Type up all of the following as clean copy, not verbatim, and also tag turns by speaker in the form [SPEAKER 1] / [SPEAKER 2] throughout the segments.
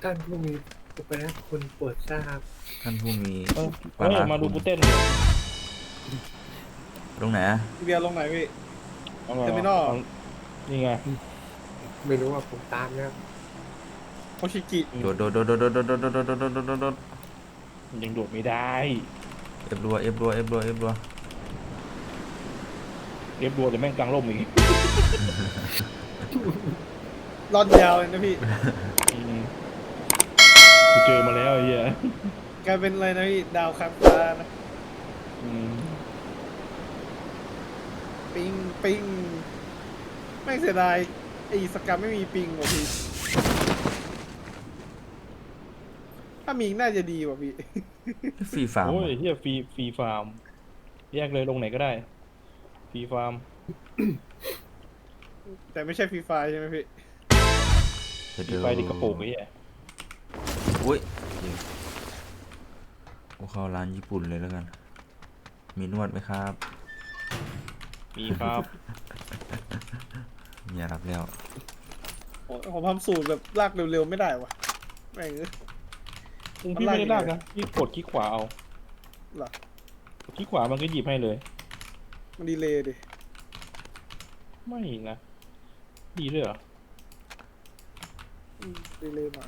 [SPEAKER 1] ท่านผู้มีอุปนักคุณโปรดทราบ
[SPEAKER 2] ท่านผู้มี
[SPEAKER 3] เออ
[SPEAKER 2] ปารา
[SPEAKER 3] มาดู
[SPEAKER 2] คุณ
[SPEAKER 3] กูเต้นเลย
[SPEAKER 2] ตรงไหนอะ
[SPEAKER 4] พี่เบียร์ลงไหนพี่
[SPEAKER 3] เอามา
[SPEAKER 4] เทอร์มินอล
[SPEAKER 3] เอานี่ไง
[SPEAKER 1] ไม่รู้ว่าผมตามแล้ว
[SPEAKER 4] โอชิกิ
[SPEAKER 2] โดดโดดโดดโดดโดดโดดโดดโดดโดดโดดโดดโดด
[SPEAKER 3] มันยังโดดไม่ได้
[SPEAKER 2] เอฟรัวเอฟรัวเอฟรัวเอฟรัว
[SPEAKER 3] เรียบรัวแต่แม่งกลางร่มอีก
[SPEAKER 4] รอดยาวเลยนะพี่
[SPEAKER 3] อืมกูเจอมาแล้วไอ้เหี้ย
[SPEAKER 4] กลายเป็นอะไรนะพี่ดาวค้างฟ้านะ
[SPEAKER 3] อืม
[SPEAKER 4] ปิงปิงไม่งเสียดายไอ้สกรรมไม่มีปิงว่ะพี่ถ้ามีน่าจะดีว่ะพี่
[SPEAKER 2] ฟรีฟาร์ม
[SPEAKER 3] โอ้ยเหี้ยฟรีฟาร์มแยกเลยลงไหนก็ได้ฟรีฟาร์ม
[SPEAKER 4] แต่ไม่ใช่ฟรีไฟใช่ไหมพี่
[SPEAKER 2] เดี๋ยว
[SPEAKER 3] ฟรีไฟดิกระโปรงไอ้เหี้ย
[SPEAKER 2] อุ้ยกูเข้าร้านญี่ปุ่นเลยแล้วกันมีนวดไหมครับ
[SPEAKER 3] มีครับ
[SPEAKER 2] อย่ารับแล้ว
[SPEAKER 4] ผมทำสูตรแบบลากเร็วๆไม่ได้ว่ะแม่ง
[SPEAKER 3] พี่ไม่ได้ลากนะพี่กดคลิกขวาเอา
[SPEAKER 4] เหรอ
[SPEAKER 3] คลิกขวามันก็หยิบให้เลย
[SPEAKER 4] มันดีเลยดิ
[SPEAKER 3] ไม่นะดีด้วยเหรอ
[SPEAKER 4] ดีเลยหน่อย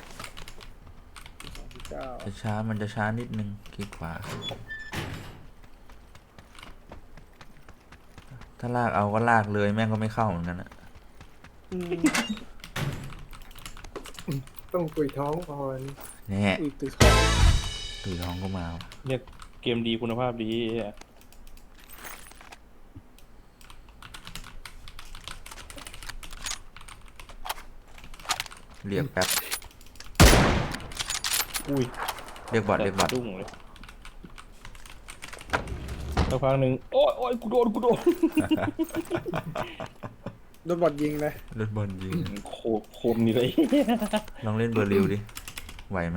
[SPEAKER 4] 29
[SPEAKER 2] จะช้ามันจะช้านิดนึงคลิกขวาถ้าลากเอาก็ลากเลยแม่งก็ไม่เข้าเหมือนกันอะ
[SPEAKER 4] อืม
[SPEAKER 1] ต้องตุยท้องก่อน
[SPEAKER 2] แน่
[SPEAKER 4] อุ้ยตื่นท้อง
[SPEAKER 2] ตื่นท้องก็มาว่ะ
[SPEAKER 3] เนี่ยเกมดีคุณภาพดีไอ้เหี้ย
[SPEAKER 2] เรียกแป๊บ
[SPEAKER 3] อุ้ย
[SPEAKER 2] เรียกบอทเรียกบอท
[SPEAKER 3] ดุ้งเลยสักพักหนึ่งโอ้ยโอ้ยกูโดน
[SPEAKER 4] โดนบอดยิงเลย
[SPEAKER 2] เล่นบอลยิง
[SPEAKER 3] โคมนี่เลย
[SPEAKER 2] ลองเล่นเบอร์ริวดิไหวไหม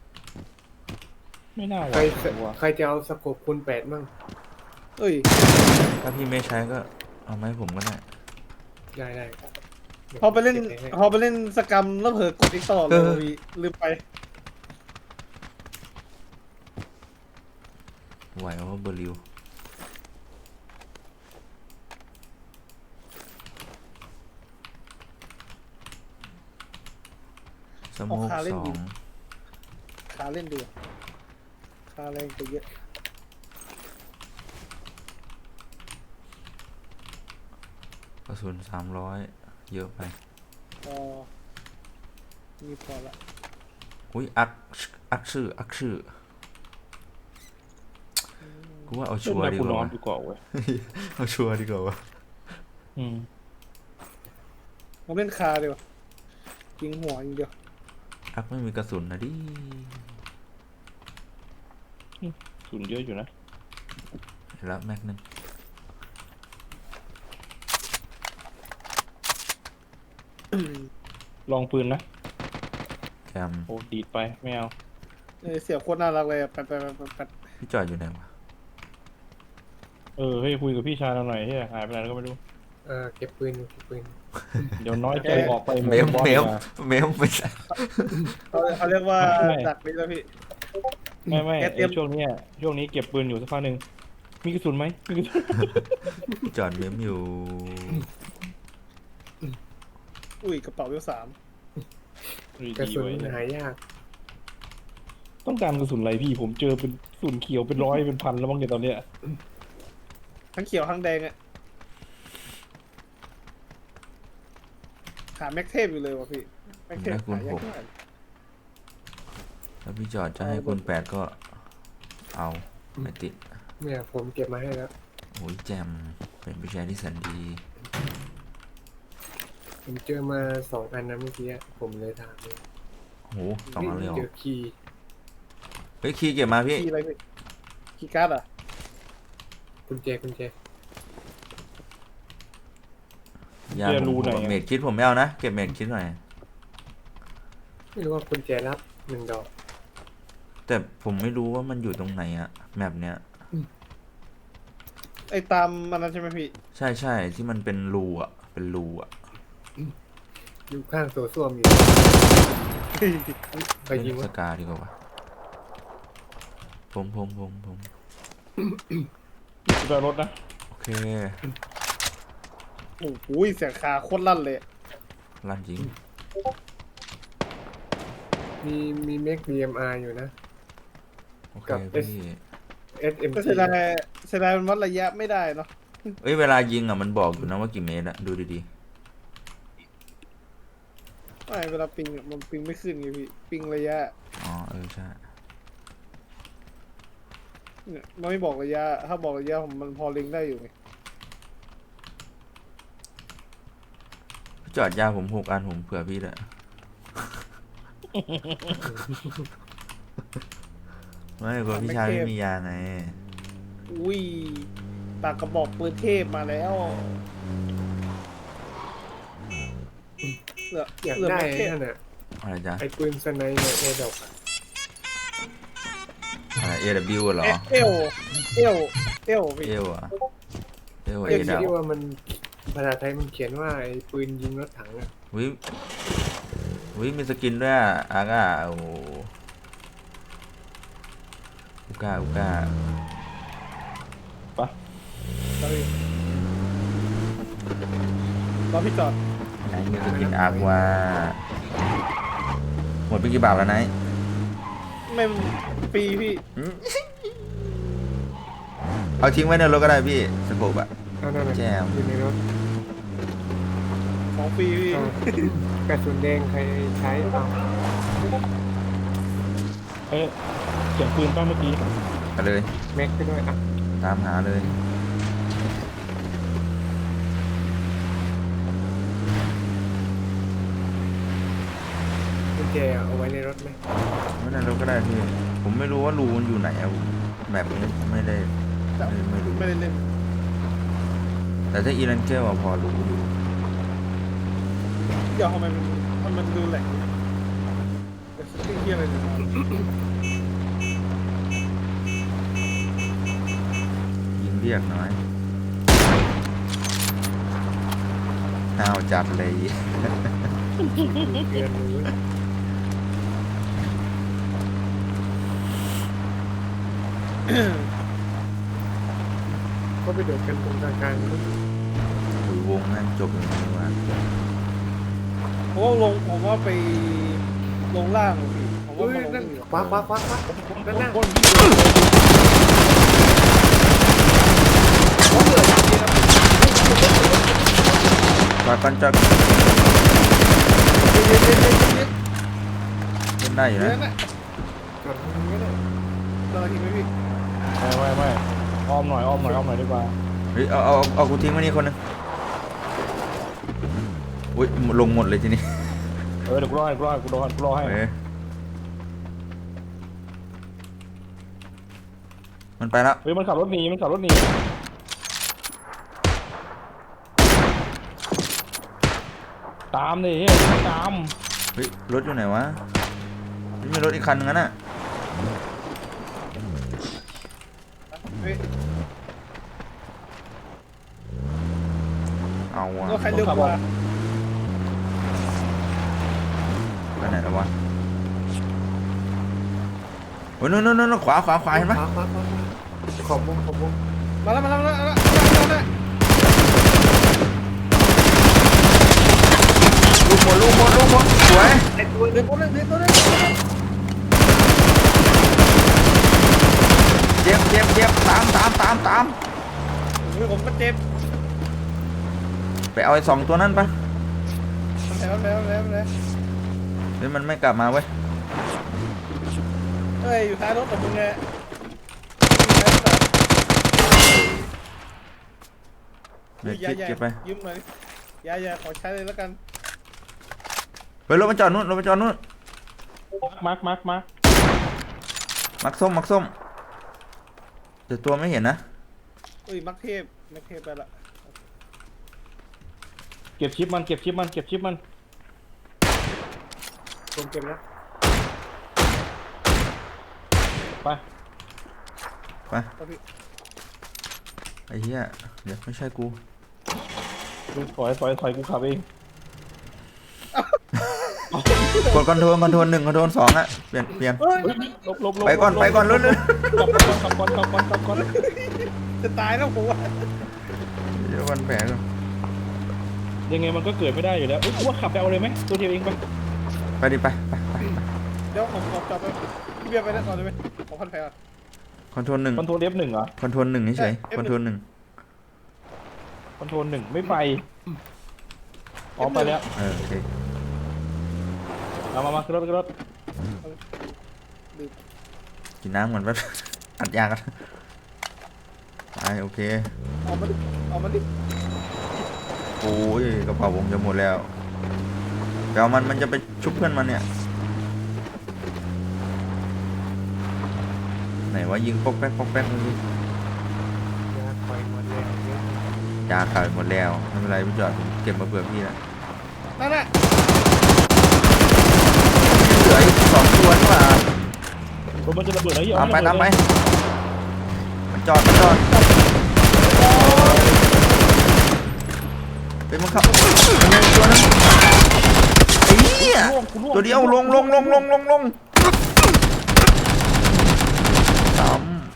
[SPEAKER 3] ไม่น่าไหว
[SPEAKER 1] ใครจะเอาสกบคุณแปดมั่ง
[SPEAKER 4] เอ้ย
[SPEAKER 2] ถ้าพี่ไม่ใช้ก็เอามาให้ผมก็ได้
[SPEAKER 1] ได้
[SPEAKER 4] พอไปเล่นสกรรมแล้วเผลอกดอีกต่อเลยว่ะพี่ลืมไป
[SPEAKER 2] ไหวเพราะเบอร์ริวสโมกสอง
[SPEAKER 4] ขาเล่นดีกว่าขาแรงไปเยอะ
[SPEAKER 2] กระสุน300เยอะไป
[SPEAKER 4] พอมีพอละ
[SPEAKER 2] อุ้ยอักชื่อกูว่าเอาชัวร์ดี
[SPEAKER 3] กู
[SPEAKER 2] ก
[SPEAKER 3] นอ
[SPEAKER 2] ว่าน
[SPEAKER 3] ดีกว่าเว้ย
[SPEAKER 2] เอาชัวร์ดีกว่าวะ
[SPEAKER 3] อืม
[SPEAKER 4] ผมเล่นคาเดียวยิงหัวอย่างเดียว
[SPEAKER 2] อักไม่มีกระสุนนะดิ
[SPEAKER 3] สุนเยอะอยู่นะ
[SPEAKER 2] เห็นแล้วแม็กนึง
[SPEAKER 3] ลองปืนนะ
[SPEAKER 2] แจม
[SPEAKER 3] โอ้ดีดไปไม่เอา
[SPEAKER 4] เสียบโคตรน่ารักเลยอะแปด
[SPEAKER 2] พี่จอดอยู่ไหนวะ
[SPEAKER 3] เฮ้ยคุยกับพี่ชายเราหน่อยเฮ้ยหายไปไหนแล้วก็ไม่รู้
[SPEAKER 1] เก็บปืน
[SPEAKER 3] เดี๋ยวน้อยใจออกไป
[SPEAKER 2] เมม
[SPEAKER 3] บอส
[SPEAKER 2] เม
[SPEAKER 3] ดี
[SPEAKER 2] ม
[SPEAKER 3] กว่า
[SPEAKER 2] เมมไม่ใช่
[SPEAKER 4] เขาเรียกว่า
[SPEAKER 3] ใช่
[SPEAKER 4] ดักนี้แล้วพี่
[SPEAKER 3] ไม่
[SPEAKER 4] แกเตรียม
[SPEAKER 3] ช่วงนี้เก็บปืนอยู่สักพักหนึ่งมีกระสุนไหมมีกระสุน
[SPEAKER 2] จอดเมมอยู่
[SPEAKER 4] อุ้ยกระเป๋าเวล3
[SPEAKER 1] กระสุน
[SPEAKER 3] ดีไว้
[SPEAKER 1] หายาก
[SPEAKER 3] ต้องการกระสุนอะไรพี่ผมเจอเป็นกระสุนเขียวเป็นร้อยเป็นพันแล้วบ้างเนี่ยตอนเนี้ย
[SPEAKER 4] ทั้งเขียวทั้งแดงอะหาแม็กเทพอยู่เลยว่ะพี่แม็กเทพหายากมาก
[SPEAKER 2] ถ้าพี่จอดจะให้คุณ8ก็เอาไม่ติด
[SPEAKER 1] เนี่ยผมเก็บมาให้แล้ว
[SPEAKER 2] โอ้ยแจมเป็นผู้ชายที่แสนดี
[SPEAKER 1] ผมเจอมา2 อันนะเมื่อกี้ผมเลยถามเลย
[SPEAKER 2] โห2 อันเลยเหรอ
[SPEAKER 1] เจอคีย์
[SPEAKER 2] เฮ้ยคีย์เก็บมาพี่
[SPEAKER 4] คีย์อะไรพี่คีย์การ์ดอ่ะ
[SPEAKER 1] กุญแจ
[SPEAKER 2] ยาผมเมดคิดผมไม่เอานะเก็บเมดคิดหน่อย
[SPEAKER 1] ไม่รู้ว่ากุญแจรับ1 ดอก
[SPEAKER 2] แต่ผมไม่รู้ว่ามันอยู่ตรงไหนอะแมปเนี้ย
[SPEAKER 4] ไอ้ตามมันนั้นใช่ไหมพี่
[SPEAKER 2] ใช่ที่มันเป็นรูอะเป็นรูอะ
[SPEAKER 1] อยู่ข้างโซส้วมอยู่ใครยิง
[SPEAKER 2] ส
[SPEAKER 1] วะ
[SPEAKER 2] กาดีกว่าวะผม
[SPEAKER 3] กูจะรถนะ
[SPEAKER 2] โอเค
[SPEAKER 4] โอ้โหเสียงคาโคตรลั่นเลย
[SPEAKER 2] ลั่นจริง
[SPEAKER 1] มีเมก DMR อยู่นะ
[SPEAKER 2] โอเค
[SPEAKER 1] กับ
[SPEAKER 2] พี่
[SPEAKER 1] SMG
[SPEAKER 4] ก็เสียดายมันวัดระยะไม่ได้เนาะ
[SPEAKER 2] เอ้ยเวลายิงอ่ะมันบอกอยู่นะว่ากี่เมตรอะดูดี
[SPEAKER 4] ไม่เวลาปิงอะมันปิงไม่ขึ้นไงพี่ปิงระยะ
[SPEAKER 2] ๆอ๋อใช่
[SPEAKER 4] เนี่ยมันไม่บอกระยะ ถ้าบอกระยะผมมันพอเล็งได้อยู่ไง
[SPEAKER 2] จอดยาผม6 อันผมเผื่อพี่แหละ ไม่กลัวพี่ชายไม่มียาไง
[SPEAKER 4] อุ้ยตากระบอกปืนเทพมาแล้วเหลือ
[SPEAKER 1] อยาก
[SPEAKER 4] เหลือ
[SPEAKER 1] ได้
[SPEAKER 4] แม็กเทพ
[SPEAKER 1] นั่นน่ะ
[SPEAKER 2] อะไรจ๊ะ
[SPEAKER 1] ไอ้ปืนสไนในเอดอกอะ
[SPEAKER 2] อะไร AW เหรอ
[SPEAKER 4] เอลพี่
[SPEAKER 2] เอวอะเอว
[SPEAKER 1] ไอ้
[SPEAKER 2] เอดับ
[SPEAKER 1] ที่ว่ามันภาษาไทยมันเขียนว่าไอ้ปืนยิงรถถังอะ
[SPEAKER 2] วิมีสกินด้วยอะอาก้าโอ้โหอุก้า
[SPEAKER 3] ไป
[SPEAKER 4] รอพี่จอด
[SPEAKER 2] ไหนมีสกินอากว่าหมดไปกี่บาทแล้วไหน
[SPEAKER 4] ไม่ฟรีพี่
[SPEAKER 2] เอาทิ้งไว้ในรถก็ได้พี่สโคปอะ
[SPEAKER 1] นั่นน่ะ
[SPEAKER 2] แจม
[SPEAKER 1] อยู่ในรถ
[SPEAKER 4] ของฟรีพี่
[SPEAKER 1] เอากระสุนแดงใครใช้เอา
[SPEAKER 3] เอ้ยเสียงปืนป้าเมื่อกี้
[SPEAKER 2] ไปเลย
[SPEAKER 1] แม็กไปด้วยอ่ะ
[SPEAKER 2] ตามหาเลย
[SPEAKER 1] กุญแจเอาไว้ในรถไหม
[SPEAKER 2] ไม่ในรถก็ได้พี่ผมไม่รู้ว่ารูมันอยู่ไหนอะแบบนี้ไม่ได้ไม่รู้
[SPEAKER 4] ไม่ได้เล่น
[SPEAKER 2] แต่ถ้าอีรันเกลอะพอรู้อยู่
[SPEAKER 4] เดี๋ยวทำไมมันดูแหลกแต่สติ๊กเกียอะไรเนี่ย
[SPEAKER 2] ยิงเรียกน้อยห้าวจัดเลย
[SPEAKER 1] เดือนรู้ ก็ไปโดดกันตรงกลางๆ
[SPEAKER 2] ถือวงแม่งจบเลยนะว่า
[SPEAKER 4] ผมว่าไปลงล่างพี่ผมว่า
[SPEAKER 1] เฮ้ย
[SPEAKER 4] มาลง
[SPEAKER 1] นั่น
[SPEAKER 4] นี่
[SPEAKER 1] คว้านั่นน่ะ
[SPEAKER 3] ก้น
[SPEAKER 2] จอดกันจอดเล่นได้อยู่
[SPEAKER 4] เดี๋ยว
[SPEAKER 2] นะ
[SPEAKER 4] นั่นน่ะ
[SPEAKER 1] ก่อนก็ได้
[SPEAKER 4] รอทีไหมพี่
[SPEAKER 3] ไม่อ้อมหน่อยดีกว่า
[SPEAKER 2] เฮ้ยเอากูทิ้งไว้นี่คนหนึงอุ้ยลงหมดเลยทีนี้
[SPEAKER 3] เดี๋ยวกูรอให้
[SPEAKER 2] เอ้ยมันไปแล้ว
[SPEAKER 3] เฮ้ยมันขับรถหนีตามดิเฮ้ยตาม
[SPEAKER 2] เฮ้ยรถอยู่ไหนวะนี่มีรถอีกคันนึงอะน่ะ
[SPEAKER 4] เฮ้ย
[SPEAKER 2] เอาอะ
[SPEAKER 4] รถใครเร็วกว่า
[SPEAKER 2] ไปไหนแล้ววะโอ้ยนู่นขวาเห็นปะ
[SPEAKER 1] ขวาขอบวง
[SPEAKER 4] มาแล้ว
[SPEAKER 2] ลูกหมดสวย
[SPEAKER 1] ไอ้ตัว
[SPEAKER 4] เดี๋ยวตัวนึง
[SPEAKER 2] เจ็บตาม
[SPEAKER 4] เฮ้ยผมก็เจ็บ
[SPEAKER 2] ไปเอาไอ้2 ตัวนั้นปะ
[SPEAKER 4] แล้ว
[SPEAKER 2] เฮ้ยมันไม่กลับมาเว้ย
[SPEAKER 4] เฮ้ยอยู่ท้ายรถกับมึงไง
[SPEAKER 2] เดี๋ยวเก็บไป
[SPEAKER 4] ยืมหน่อยอย่าขอใช้เลยแล้วกัน
[SPEAKER 2] เฮ้ยรถมันจอดนู่น
[SPEAKER 3] มาร์ค
[SPEAKER 2] มักส้มแต่ตัวไม่เห็นนะ
[SPEAKER 4] เอ้ยมักเทพไปละ
[SPEAKER 3] เก็บชิปมัน
[SPEAKER 1] ผมเก็บแล้ว
[SPEAKER 3] ไป
[SPEAKER 4] เอาพี่
[SPEAKER 2] ไอ้เหี้ยเดี๋ยวไม่ใช่กู
[SPEAKER 3] ถอยกูขับเอง
[SPEAKER 2] กดคอนโทรล1คอนโทรล2อะเปลี่ยน
[SPEAKER 4] เฮ้ย
[SPEAKER 3] ลบ
[SPEAKER 2] ไปก่อนเรื่อย
[SPEAKER 3] ขับก่อน
[SPEAKER 4] จะตายแล้วผมว่า
[SPEAKER 2] ๆเดี๋ยววันแผลก่อน
[SPEAKER 3] ยังไงมันก็เกิดไม่ได้อยู่แล้วเอ้ยกูว่าขับไปเอาเลยไหมตัวเดียวเองไป
[SPEAKER 2] ไปดิไป
[SPEAKER 4] เดี๋ยวผมจับไปพี่เบียร์ไปได้ก่อนได้ไหมผมพันแผลก่อน
[SPEAKER 2] คอนโทรล1
[SPEAKER 3] คอนโทรล F1 เหรอ
[SPEAKER 2] คอนโทรล1เฉย
[SPEAKER 4] F1
[SPEAKER 2] คอนโทรล1
[SPEAKER 3] คอนโทรล1ไม่ไปอ๋อไปแล้ว
[SPEAKER 2] โอเค
[SPEAKER 3] มาขึ้นรถ
[SPEAKER 2] กินน้ำเหมือนแบบ อัดยากันไปโอเค
[SPEAKER 4] เอามาดิ
[SPEAKER 2] โอ้ยกระเป๋าผมจะหมดแล้วเดี๋ยวมันจะไปชุบเพื่อนมันเนี่ยไหนว่ายิงปอกแป๊กดูดิ
[SPEAKER 1] ยาคอยหมดแล้วเนี่ย
[SPEAKER 2] ยาขายหมดแล้วไม่เป็นไรพี่จอดผมเก็บมาเผื่อพี่นะ
[SPEAKER 4] นั่นแหละ
[SPEAKER 2] เหลืออีก2ตัวนี่หว่าร
[SPEAKER 3] ถมันจะระเบิดแล้วอย่า
[SPEAKER 2] ตามไป
[SPEAKER 3] ระเบิด
[SPEAKER 2] ตามไป
[SPEAKER 3] เลย
[SPEAKER 2] มันจอดเป็นมังคับมันยังตัวนึงไอ้เหี้ย
[SPEAKER 3] กูล่วง
[SPEAKER 2] ตัวเดียวลงตาม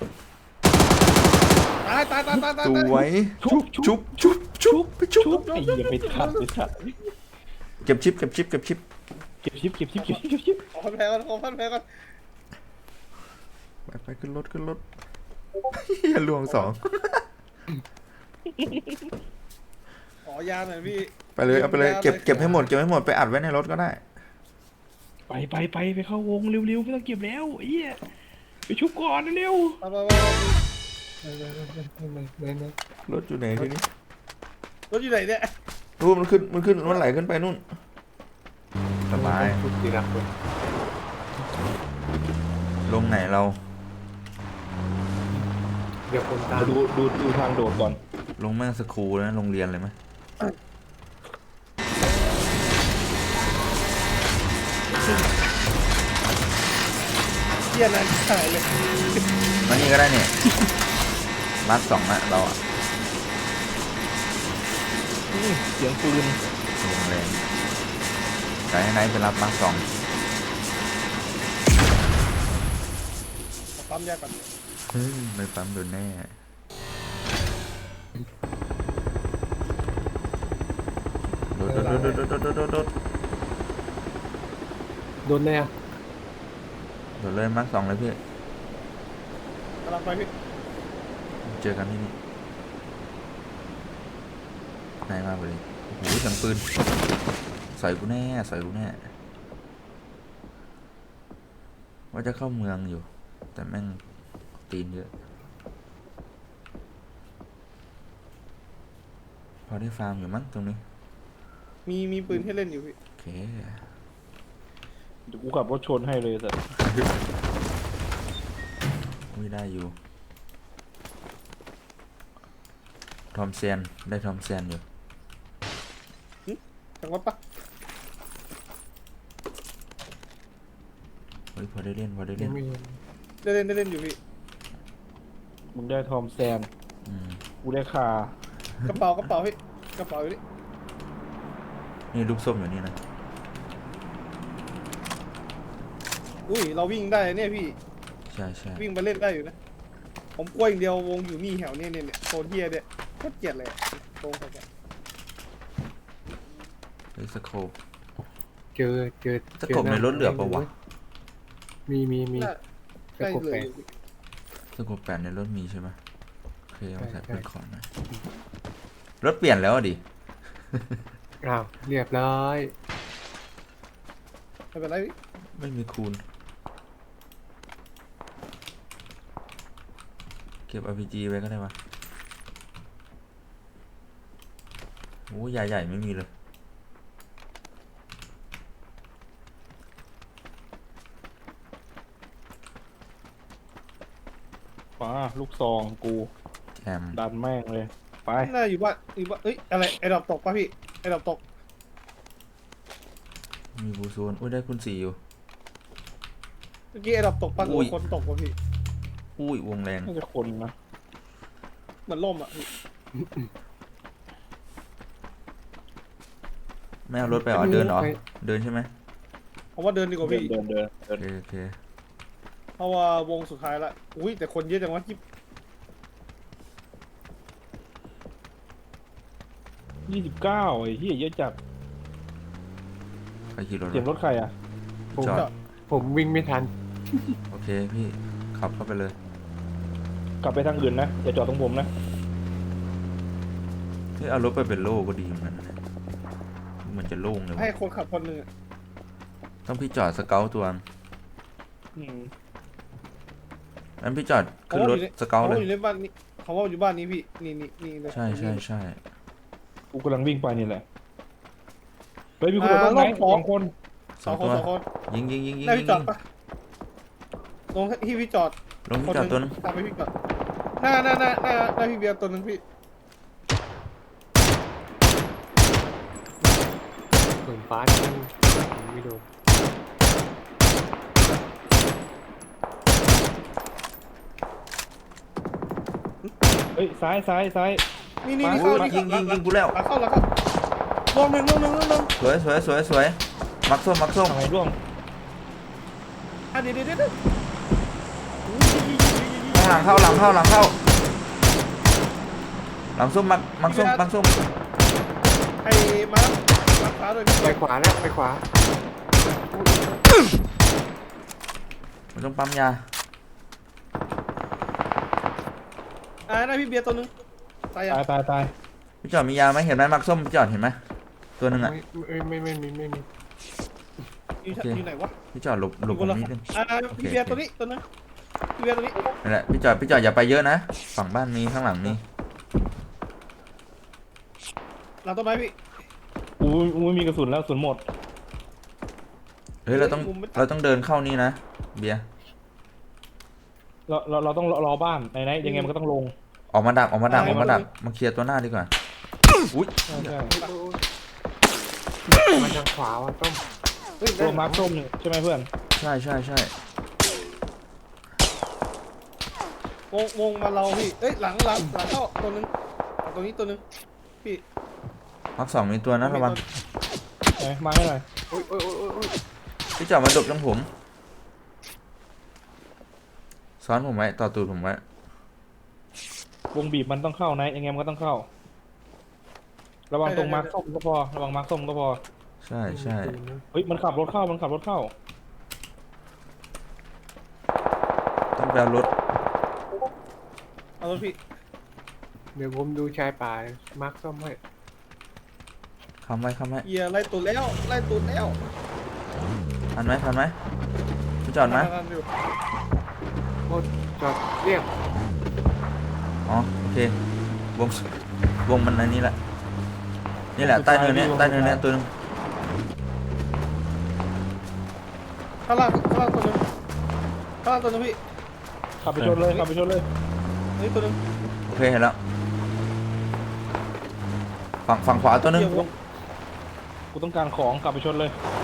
[SPEAKER 4] ตาย
[SPEAKER 2] สวยชุบไปชุบ
[SPEAKER 3] ไอ้เหี้ยไปทัด
[SPEAKER 2] เก็บชิป
[SPEAKER 3] เก็บชิป
[SPEAKER 4] ขอพันแผลก่อน
[SPEAKER 2] ไปขึ้นรถอย่าลวง2
[SPEAKER 4] ขอยาหน่อยพี่
[SPEAKER 2] ไปเลยเอาไปเลยเก็บให้หมดไปอัดไว้ในรถก็ได้
[SPEAKER 3] ไปเข้าวงเร็วๆไม่ต้องเก็บแล้วไอ้เหี้ยไปชุบก่อนเร็ว
[SPEAKER 4] ไป
[SPEAKER 1] ไม่
[SPEAKER 2] รถอยู่ไหนทีนี้
[SPEAKER 4] รถอยู่ไหนเนี่ย
[SPEAKER 2] รูมันไหลขึ้นไปนู่นสบาย
[SPEAKER 1] ทุกทีละคน
[SPEAKER 2] ลงไหนเรา
[SPEAKER 1] เดี๋ยวผมตาม
[SPEAKER 3] ดูทางโดดก่อน
[SPEAKER 2] ลงแม่งสคูลนะโรงเรียนเลยไหม
[SPEAKER 4] เกียร์นั้นหายเลย
[SPEAKER 2] มานี่ก็ได้เนี่ยมาร์ค2อะเราอะ
[SPEAKER 3] เสียงปืน
[SPEAKER 2] ลงแรงไกด์ไหนไปรับมาร์ค2
[SPEAKER 4] ปั๊มยาก่อน
[SPEAKER 2] เฮ้ยไม่ปั๊มโดนแน่โดด
[SPEAKER 1] โดนแน่
[SPEAKER 2] โดดเลยมาร์ค2เลยพี่
[SPEAKER 4] กำลังไปพี่
[SPEAKER 2] เจอกันที่นี่นายมากเลยโอ้โหเสียงปืนใส่กูแน่ว่าจะเข้าเมืองอยู่แต่แม่งตีนเยอะพอได้ฟาร์มอยู่มั้งตรงนี้
[SPEAKER 4] มีปืนให้เล่นอยู่พี่
[SPEAKER 2] โอเค
[SPEAKER 3] เดี๋ยวกูขับรถชนให้เลยแต่
[SPEAKER 2] ไม่ได้อยู่ทอมเซนได้ทอมเซนอยู่
[SPEAKER 4] จังหวะปะ
[SPEAKER 2] เฮ้ยพอได้เล่น
[SPEAKER 1] ไม่
[SPEAKER 4] ได้เล่นอยู่พี่
[SPEAKER 3] มึงได้ทอมแซน
[SPEAKER 2] อืม
[SPEAKER 3] กูได้คาก
[SPEAKER 4] ระเป๋าพี่กระเป๋าอยู่นี่
[SPEAKER 2] นี่ลูกส้มอยู่นี่นะ
[SPEAKER 4] อุ้ยเราวิ่งได้เนี่ยพี่
[SPEAKER 2] ใช่
[SPEAKER 4] วิ่งไปเล่นได้อยู่นะผมกลัวอย่างเดียววงอยู่นี่แถวเนี่ยโซนเฮียเนี่ยโคตรเกลียดเลยตรงเขาแก
[SPEAKER 2] เฮ้ยสโคป
[SPEAKER 1] เจอ
[SPEAKER 2] สโคปในรถเหลือปะวะ
[SPEAKER 1] มี
[SPEAKER 4] ใกล้เลย
[SPEAKER 2] สโคป8ในรถมีใช่ไหมโอเคเอาใส่
[SPEAKER 1] ใช่
[SPEAKER 2] เป็นของหน่อยรถเปลี่ยนแล้วอะดิ
[SPEAKER 1] อ้าวเรียบร้อย
[SPEAKER 4] ไม่เป็นไรพี่
[SPEAKER 2] ไม่มีคูณเก็บ RPG ไว้ก็ได้ปะโอ้ยาใหญ่ไม่มีเลย
[SPEAKER 3] มาลูกซองกู
[SPEAKER 2] แจม
[SPEAKER 3] ดันแม่งเลยไป
[SPEAKER 4] น่าอยู่บ้านเอ้ยอะไรไอ้ดอกตกป่ะพี่ไอ้ดอกตก
[SPEAKER 2] มีบูโซนอุ้ยได้คุณ4อยู่
[SPEAKER 4] เมื่อกี้ไอ้ดอกตกป่ะหรือว่าคนตกป่ะพี่
[SPEAKER 2] อุ้ยวงแรง
[SPEAKER 3] น่าจะคนนะ
[SPEAKER 4] เหมือนล่มอ่ะพี่
[SPEAKER 2] ไม่เอารถไปเหรอเดินเหรอเดินใช่ไหม
[SPEAKER 4] ผมว่าเดินดีกว่าพี่
[SPEAKER 3] เดิน
[SPEAKER 2] โอเคโอเค
[SPEAKER 4] เพราะว่าวงสุดท้ายละอุ้ยแต่คนเยอะจังวะที่
[SPEAKER 3] 29ไอ้เหี้ยเยอะจัด
[SPEAKER 2] ใครขี่รถ
[SPEAKER 3] เสียงรถใครอ่ะ
[SPEAKER 1] ผม
[SPEAKER 2] จอด
[SPEAKER 1] ผมวิ่งไม่ทัน
[SPEAKER 2] โอเคพี่ขับเข้าไปเลย
[SPEAKER 3] กลับไปทางอื่นนะอย่าจอดตรงผมนะ
[SPEAKER 2] เฮ้ยเอารถไปเป็นโล่ก็ดีเหมือนกันนะเนี่ยเหมือนจะโล่งเลย
[SPEAKER 4] ให้
[SPEAKER 2] วะ
[SPEAKER 4] คนขับคนหนึ่งอะ
[SPEAKER 2] ต้องพี่จอดสเกลตัวนึง
[SPEAKER 3] อืม
[SPEAKER 2] งั้นพี่จอดขึ้นรถสเกล
[SPEAKER 4] เขา
[SPEAKER 2] เล
[SPEAKER 4] ว่าย อยู่ในบ้านนี้เขาว่าอยู่บ้านนี้พี่นี่เลย
[SPEAKER 2] ใช่ใช่ใช่
[SPEAKER 3] กูกำลังวิ่งไปนี่แหละเฮ้ยมีคนรถไหนสองคน
[SPEAKER 2] สองตัว
[SPEAKER 4] สองคน
[SPEAKER 2] ยิงยิงยิงยิง
[SPEAKER 4] ได้
[SPEAKER 2] ยิ
[SPEAKER 4] พี่
[SPEAKER 2] ง
[SPEAKER 4] จอดปะลงที่พี่จอด
[SPEAKER 2] ลงพี่จอดตัวนึง
[SPEAKER 4] ตามไปพี่จอดหน้าพี่เบียร์ตัวนึงพี่
[SPEAKER 1] เหมือนฟ้าที่มันไม่โดน
[SPEAKER 3] เฮ้ยซ้าย
[SPEAKER 4] นี่
[SPEAKER 3] มา
[SPEAKER 4] เข้า
[SPEAKER 2] โอ้ยยิงยิงยิงกูแล้ว
[SPEAKER 4] เข้าลงหนึ่ง
[SPEAKER 2] สวยสวยสวยสวยมักส้มมักส้ม
[SPEAKER 3] ทำไมร่วง
[SPEAKER 4] เดี๋ยว
[SPEAKER 2] หลังเข้าหลังเข้าหลังเข้าหลังส้มมักส้มมักส้ม
[SPEAKER 4] ไอ้มาขาด้วยพี่
[SPEAKER 1] ไปขวาแล้วไปขวา
[SPEAKER 2] มันต้องปั๊มยา
[SPEAKER 4] หน้าพี่เบียร์ตัวนึงตายยัง
[SPEAKER 3] ตาย
[SPEAKER 2] พี่จอดมียาไหมเห็นไหมมักส้มพี่จอดเห็นไหมตัวหนึงอ่ะ
[SPEAKER 1] ไม่มี
[SPEAKER 4] อยู่ไหนวะ
[SPEAKER 2] พี่จอดหลบผมนิดนึง
[SPEAKER 4] พี่เบียร์ตัวนี้ตัวนึงพี่เบียร์ตัวนี้
[SPEAKER 2] นั่นแหละพี่จอดอย่าไปเยอะนะฝั่งบ้านมีข้างหลังมี
[SPEAKER 4] หลังต้นไม้พี่
[SPEAKER 3] กูไม่มีกระสุนแล้วกระสุนหมด
[SPEAKER 2] เฮ้ยเราต้องเดินเข้านี่นะเบียร์
[SPEAKER 3] เราต้องรอบ้านไหนยังไงมันก็ต้องลง
[SPEAKER 2] ออกมาดักมาเคลียร์ตัวหน้าดีกว่าอุ้ย
[SPEAKER 3] ใช่
[SPEAKER 1] มาทางขวาว่ะต้ม
[SPEAKER 3] ตัวมาร์คส้มนี่ใช่ไหมเพื่อน
[SPEAKER 2] ใช่ใช่ใช่
[SPEAKER 4] วงมาเราพี่เอ้ยหลังเข้าตัวนึงตัวนี้ตัวนึงพี่
[SPEAKER 2] มักสองมีตัวนะระวัง
[SPEAKER 3] ไหนมาให้หน่อย
[SPEAKER 1] โอ้ย
[SPEAKER 2] พี่จอดมาดบตรงผมซ้อนผมไว้ต่อตูดผมไว้
[SPEAKER 3] วงบีบมันต้องเข้านะยังไงมันก็ต้องเข้า ระวังตรงมาร์คส้มก็พอระวังมาร์คส้มก็พอ
[SPEAKER 2] ใช่ใช่
[SPEAKER 3] เฮ้ยมันขับรถเข้า
[SPEAKER 2] ต้องไปเอารถ
[SPEAKER 4] เอาตัวพี่
[SPEAKER 1] เดี๋ยวผมดูชายป่ามาร์คซ่อมให้
[SPEAKER 2] คำไว้
[SPEAKER 4] เฮียไล่ตูดแล้ว
[SPEAKER 2] ทันไหมพี่จอดไหม
[SPEAKER 1] โอ้จอดเรียก
[SPEAKER 2] อ๋อโอเควงมันอันนี้แหละนี่แหละใต้เนินเนี้ยตัวนึง
[SPEAKER 4] ข้างล่างตัวนึงพี่
[SPEAKER 3] ขับไปชนเลย
[SPEAKER 4] นี่ตัวนึง
[SPEAKER 2] โอเคเห็นแล้วฝั่งขวาตัวนึง
[SPEAKER 3] กูต้องการของขับไปชนเลย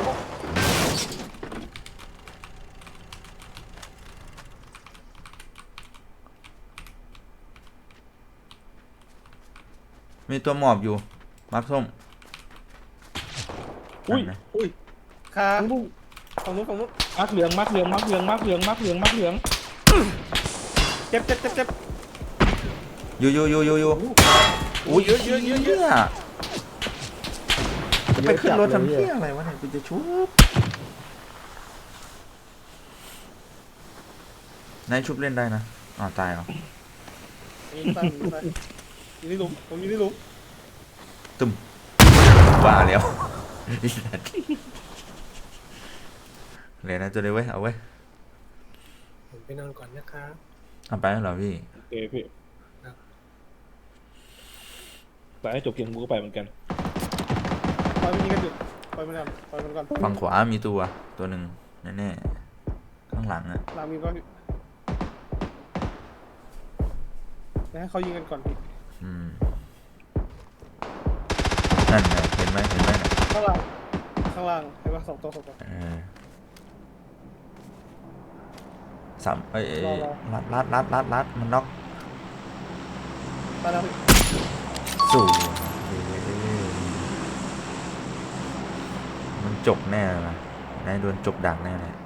[SPEAKER 2] มีตัวหมอบอยู่มักส้ม
[SPEAKER 3] อุ้ย
[SPEAKER 2] นั่นนะ
[SPEAKER 4] ขาฝั่งนู้น
[SPEAKER 3] มาร์คเหลือง
[SPEAKER 4] เจ็บ
[SPEAKER 2] อยู่อุ้ยเยอะจะไปขึ้นรถทำเพี้ยอะไรวะเนี่ยกูจะชุบนายชุบเล่นได้นะอ๋อตายเหรอ
[SPEAKER 4] อยู่ในหลุมผมอยู่ในหลุม
[SPEAKER 2] ตึมว่าแล้ว เลยนะจะได้เว้ยเอาเว้ย
[SPEAKER 1] ผมไปนอนก่อนนะครับ
[SPEAKER 2] ทำไปแล้วเหรอพี่
[SPEAKER 3] โอเคพี่แต่ให้จบเกมกูก็ไปเหมือนกัน
[SPEAKER 4] ปล่อยมันยิงกันอยู่ปล่อยมันก่อน
[SPEAKER 2] ฝั่งขวามีตัวหนึ่งแน่ๆข้างหลังอะ
[SPEAKER 4] หลังมีป่ะพี่ให้เขายิงกันก่อนพี่
[SPEAKER 2] นั่นไงเห็นไหมน่ะ
[SPEAKER 4] ข้างล่างเห็นป่ะสองตัว
[SPEAKER 2] สามเอ้ย
[SPEAKER 4] รอ
[SPEAKER 2] ลัดมันน็อก
[SPEAKER 4] ตายแล้วพี่
[SPEAKER 2] สู่มันจบแน่เลยนะนายโดนจบดักแน่เลย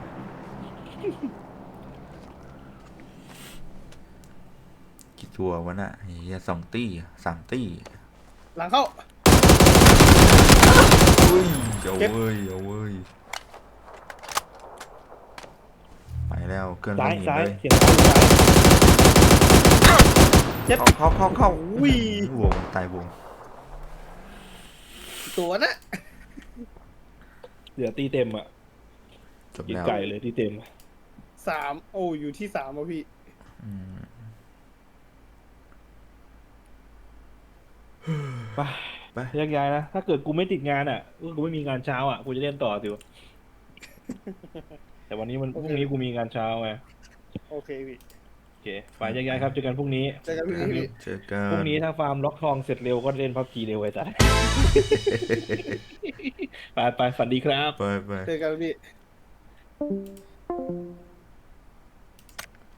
[SPEAKER 2] กี่ตัววะน่ะเฮีย2 ตี้ 3 ตี้
[SPEAKER 4] หลังเข้า
[SPEAKER 2] อุ้ยเอา
[SPEAKER 4] เก็บ
[SPEAKER 2] เว้ยเอาเว้ยไปแล้วเกิน
[SPEAKER 3] ซ้าย
[SPEAKER 2] หิน
[SPEAKER 3] ซ้าย
[SPEAKER 2] เลย
[SPEAKER 3] เสียงซ้ายอยู่ซ้าย
[SPEAKER 4] เจ็บ
[SPEAKER 2] เข้า
[SPEAKER 4] อุ้ยว
[SPEAKER 2] งตายวง
[SPEAKER 4] ตัวนะ
[SPEAKER 3] เหลือตีเต็มอ่ะ
[SPEAKER 2] จบ
[SPEAKER 3] กิน
[SPEAKER 2] แล้ว
[SPEAKER 3] ไก่เลยตีเต็ม
[SPEAKER 4] 3 โอ้อยู่ที่3อ่ะพี่
[SPEAKER 2] อืม
[SPEAKER 3] ไป
[SPEAKER 2] ไป
[SPEAKER 3] แยกย้ายนะ ถ้าเกิดกูไม่ติดงานอ่ะกูไม่มีงานเช้าอ่ะ กูจะเล่นต่อสิว แต่วันนี้มันพรุ่งนี้กูมีงานเช้าไง
[SPEAKER 4] โอเคพี่
[SPEAKER 3] โอเค ไปแยกย้ายครับ เจอกันพรุ่งนี้
[SPEAKER 4] เจอกันพี่
[SPEAKER 2] เจอกั
[SPEAKER 3] พรุ่ง
[SPEAKER 2] น
[SPEAKER 3] นี้ถ้าฟาร์มล็อกทองเสร็จเร็วก็เล่นพับจีเร็วไอ้สัส ไปฝันดีครับ
[SPEAKER 2] ไป
[SPEAKER 4] เจอกันพี่